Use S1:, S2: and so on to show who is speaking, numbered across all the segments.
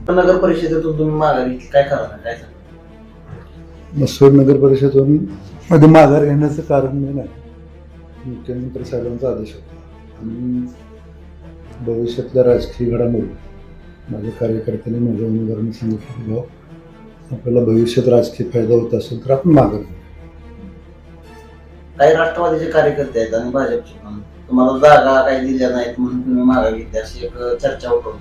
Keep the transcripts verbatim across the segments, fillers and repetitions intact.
S1: नगर परिषदेतून तुम्ही माघार घेतली, काय करणार, काय सांगणार?
S2: मसूर नगर परिषदेतून मध्ये माघार घेण्याचं कारण मी नाही, मुख्यमंत्री साहेबांचा आदेश होता आणि भविष्यातल्या राजकीय घडामोडी माझ्या कार्यकर्त्यांनी माझ्या उमेदवारांनी सांगितलं की भाऊ आपल्याला भविष्यात राजकीय फायदा होत असेल तर आपण माघार घेऊ.
S1: काही राष्ट्रवादीचे कार्यकर्ते आहेत आणि भाजपचे पण तुम्हाला जागा काही दिल्या नाहीत म्हणून तुम्ही माघार घेतली अशी एक चर्चा उठवली.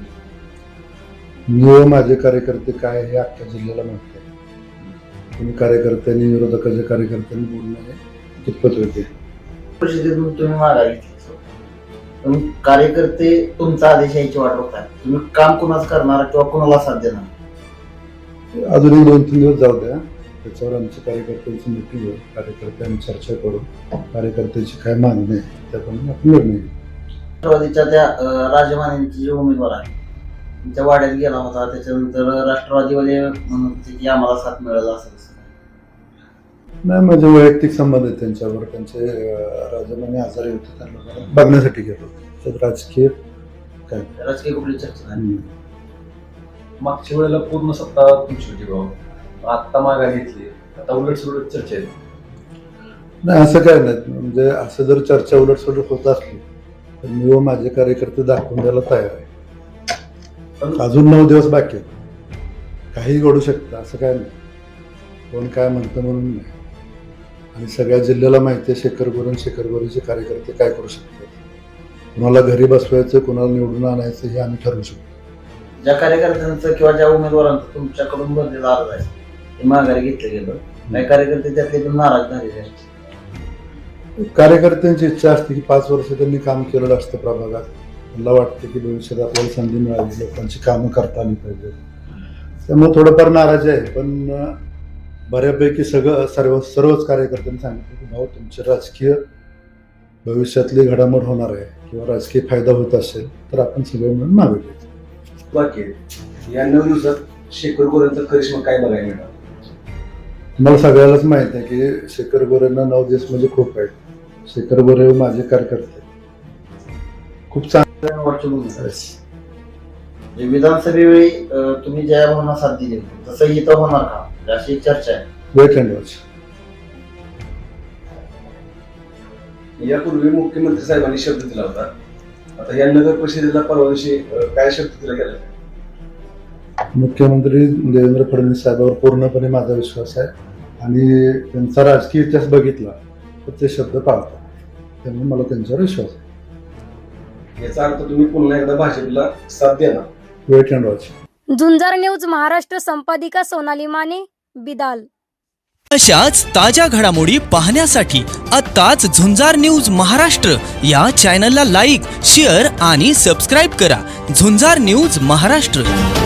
S2: मी व माझे कार्यकर्ते काय हे अख्ख्या जिल्ह्याला माहिती आहे. तुम्ही कार्यकर्त्यांनी विरोधकाच्या कार्यकर्त्यांनी बोलणं हे कितपत होते.
S1: परिषदेतून तुम्ही माघार घेतली, तुम्ही कार्यकर्ते तुमचा आदेश यायची वाट बघताय, तुम्ही काम कुणाच करणार किंवा कुणाला साथ देणार?
S2: अजून एक दोन तीन दिवस जाऊ द्या, त्याच्यावर आमच्या कार्यकर्त्यांची मीटिंग होईल, कार्यकर्त्यांनी चर्चा करू, कार्यकर्त्यांची काय मागणी आहे त्याप्रमाणे आपण निर्णय घेऊ.
S1: राष्ट्रवादीच्या त्या राजमानेंची जे उमेदवार आहे त्यांच्या वाड्यात गेला होता, त्याच्यानंतर राष्ट्रवादीवाले म्हणत होते की आम्हाला साथ मिळाला असं तसं.
S2: नाही, माझे वैयक्तिक संबंध आहेत त्यांच्यावर. त्यांचे राजमाने आजारी होते, त्यांना बघण्यासाठी गेलो होतो. त्यात राजकीय काय
S1: राजकीय कुठली चर्चा नाही.
S3: मागच्या वेळेला पूर्ण सत्ता तुमची होती भाऊ, आत्ता माघार घेतली, आता उलट सुलट चर्चा आहे.
S2: नाही, असं काय नाही. म्हणजे असं जर चर्चा उलट सुलट होत असली तर मी व माझे कार्यकर्ते दाखवून द्यायला तयार आहे. पण अजून नऊ दिवस बाकी आहेत, काही घडू शकतं, असं काय नाही. कोण काय म्हणतं म्हणून नाही. आणि सगळ्या जिल्ह्याला माहिती आहे शेखर गोरे आणि शेखर गोरेचे कार्यकर्ते काय करू शकतात. कुणाला घरी बसवायचं, कुणाला निवडून आणायचं हे आम्ही ठरवू शकतो.
S1: ज्या कार्यकर्त्यांचं किंवा ज्या उमेदवारांचं तुमच्याकडून भरलेला अर्ज आहे ते माघारी घेतलं गेलं, काही कार्यकर्ते त्यातले पण नाराज झालेले आहेत.
S2: कार्यकर्त्यांची इच्छा असते की पाच वर्ष त्यांनी काम केलेलं असतं प्रभागात, मला वाटतं की भविष्यात आपल्याला संधी मिळावी, लोकांची कामं करता आली पाहिजे, त्यामुळे थोडंफार नाराजी आहे. पण बऱ्यापैकी सगळं सर्व सर्वच कार्यकर्त्यांनी सांगितलं की भाऊ तुमची राजकीय भविष्यातली घडामोड होणार आहे किंवा राजकीय फायदा होत असेल तर आपण सगळे मिळून मागे घ्यायचं.
S3: बाकी या नऊ दिवसात शेखर गोरेंचा करिश्मा काय बघायला मिळणार?
S2: मला सगळ्यालाच माहित आहे की शेखर गोरेंना नऊ दिवस म्हणजे खूप आहे. शेखर गोरे माझे कार्यकर्ते खूप चांगले
S1: वरची भूमिका आहे. विधानसभेवेळी तुम्ही ज्या भावना साथ दिली तसं इथं होणार का अशी एक चर्चा आहे.
S2: Wait and watch.
S3: यापूर्वी मुख्यमंत्री साहेबांनी शब्द दिला होता, आता या नगर परिषदेला परवा दिवशी काय शब्द दिला गेला?
S2: मुख्यमंत्री देवेंद्र फडणवीस साहेबांवर पूर्णपणे माझा विश्वास आहे आणि त्यांचा राजकीय इतिहास बघितला तर ते शब्द पाळतात, त्यामुळे मला त्यांच्यावर विश्वास आहे.
S3: याचा अर्थ तुम्ही पुन्हा एकदा भाजपला साथ देणार?
S2: Wait and watch.
S4: Jhunjar news Maharashtra संपादिका सोनाली माने, बिदाल.
S5: अशाच ताज्या घडामोडी पाहण्यासाठी आत्ताच झुंजार न्यूज महाराष्ट्र या चॅनलला लाईक, शेअर आणि सबस्क्राईब करा. झुंजार न्यूज महाराष्ट्र.